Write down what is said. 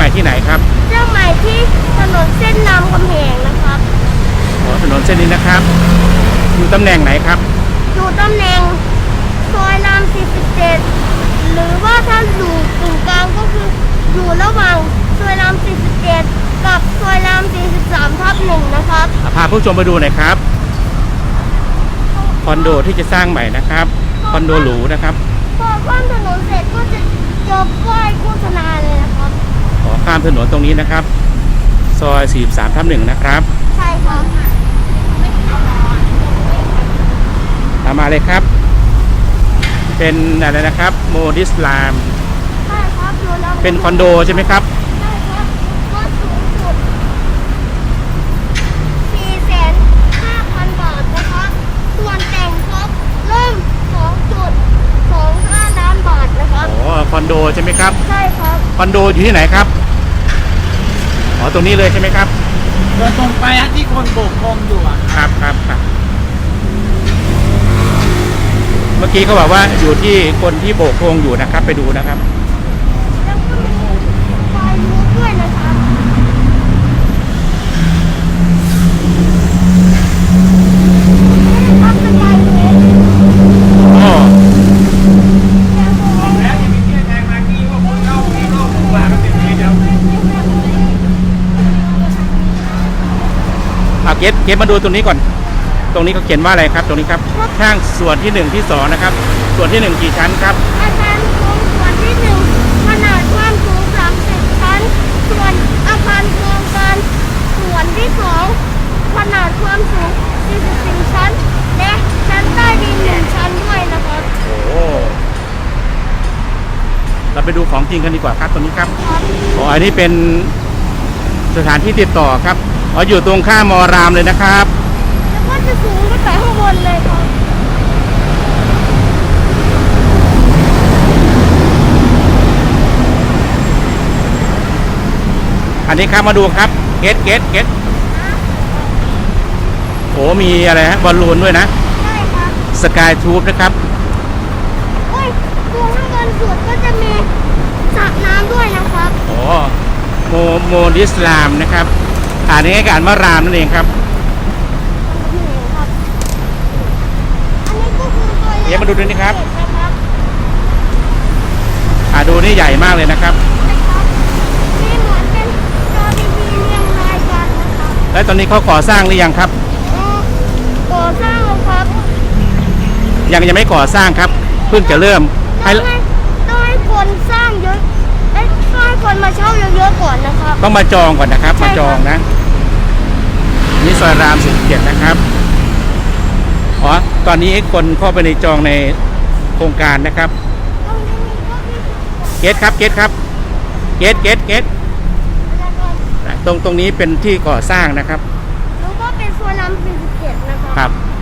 ม่ที่ไหนครับเชียงใหม่ที่ถนนเส้นรามคำแหงนะครับอ๋อถนนเส้นนี้นะครับอยู่ตำแหน่งไหนครับอยู่ตำแหน่งซอยราม47หรือว่าถ้าอยู่กึ่งกลางก็คืออยู่ระหว่างซอยราม47กับซอยราม43/1นะครับพาผู้ชมไปดูหน่อยครับคอนโดที่จะสร้างใหม่นะครับคอนโดหรูนะครับพอข้ามถนนเสร็จก็จะเจอป้ายโฆษณาเลยนะครับขอข้ามถนนตรงนี้นะครับซอย43/1นะครับใช่ครับตามมาเลยครับเป็นอะไรนะครับโมดิสลามใช่ครับเป็นคอนโดใช่ไหมครับใช่ครับก็สูงสุด4,500,000 บาทนะครับส่วนแต่งครบเริ่ม 2.25 ล้านบาทนะครับอ๋อคอนโดใช่ไหมครับใช่ครับคอนโดอยู่ที่ไหนครับอ๋อตรงนี้เลยใช่ไหมครับเดินตรงไปที่คนโบกธงอยู่ครับเมื่อกี้เขาบอกว่าอยู่ที่คนที่โบกธงอยู่นะครับไปดูนะครับแล้วก็มีไฟลุกด้วยนะครับครับเป็นไฟลุกอ๋อแล้วยังมีเที่ยงแทงมากี้ว่าคนเข้าที่โลกกว่าก็เต็มที่เดียวเก็บมาดูตรงนี้ก่อนตรงนี้เขาเขียนว่าอะไรครับตรงนี้ครับช่างส่วนที่1ที่2นะครับส่วนที่1กี่ชั้นครับอาคารโครงส่วนที่1ขนาดความสูง30 ชั้นส่วนอาคารโครงการส่วนที่2ขนาดความสูง44 ชั้นและชั้นใต้ดิน1 ชั้นด้วยนะครับโอ้เราไปดูของจริงกันดีกว่าครับตรงนี้ครับอ๋ออันนี้เป็นสถานที่ติดต่อครับอ๋ออยู่ตรงข้ามมอรามเลยนะครับแล้วก็จะสูงขึ้นไปข้างบนเลยครับอันนี้ครับมาดูครับเกตโอ้มีอะไรฮะบอลลูนด้วยนะใช่ครับสกายทูบนะครับโอ้ยตรงข้างบนสุดก็จะมีสระน้ำด้วยนะครับโอ้โมดิสลามนะครับอ่านง่ายๆอ่านว่ารามนั่นเองครับเดี๋ยวมาดูด้วยนี่ครับดูนี่ใหญ่มากเลยนะครับนี่เหมือนเป็นจอทีวีเรียงรายกันนะครับแล้วตอนนี้เขาก่อสร้างหรือยังครับก่อสร้างแล้วครับยังไม่ก่อสร้างครับเพิ่งจะเริ่มต้องให้คนสร้างเยอะต้องให้คนมาเช่าเยอะๆก่อนนะครับต้องมาจองก่อนนะครับมาจองนะนี่ซอยราม47นะครับอ๋อตอนนี้คนเข้าไปในจองในโครงการนะครับเกตตรงนี้เป็นที่ก่อสร้างนะครับแล้วก็เป็นซอยราม47นะครับครับ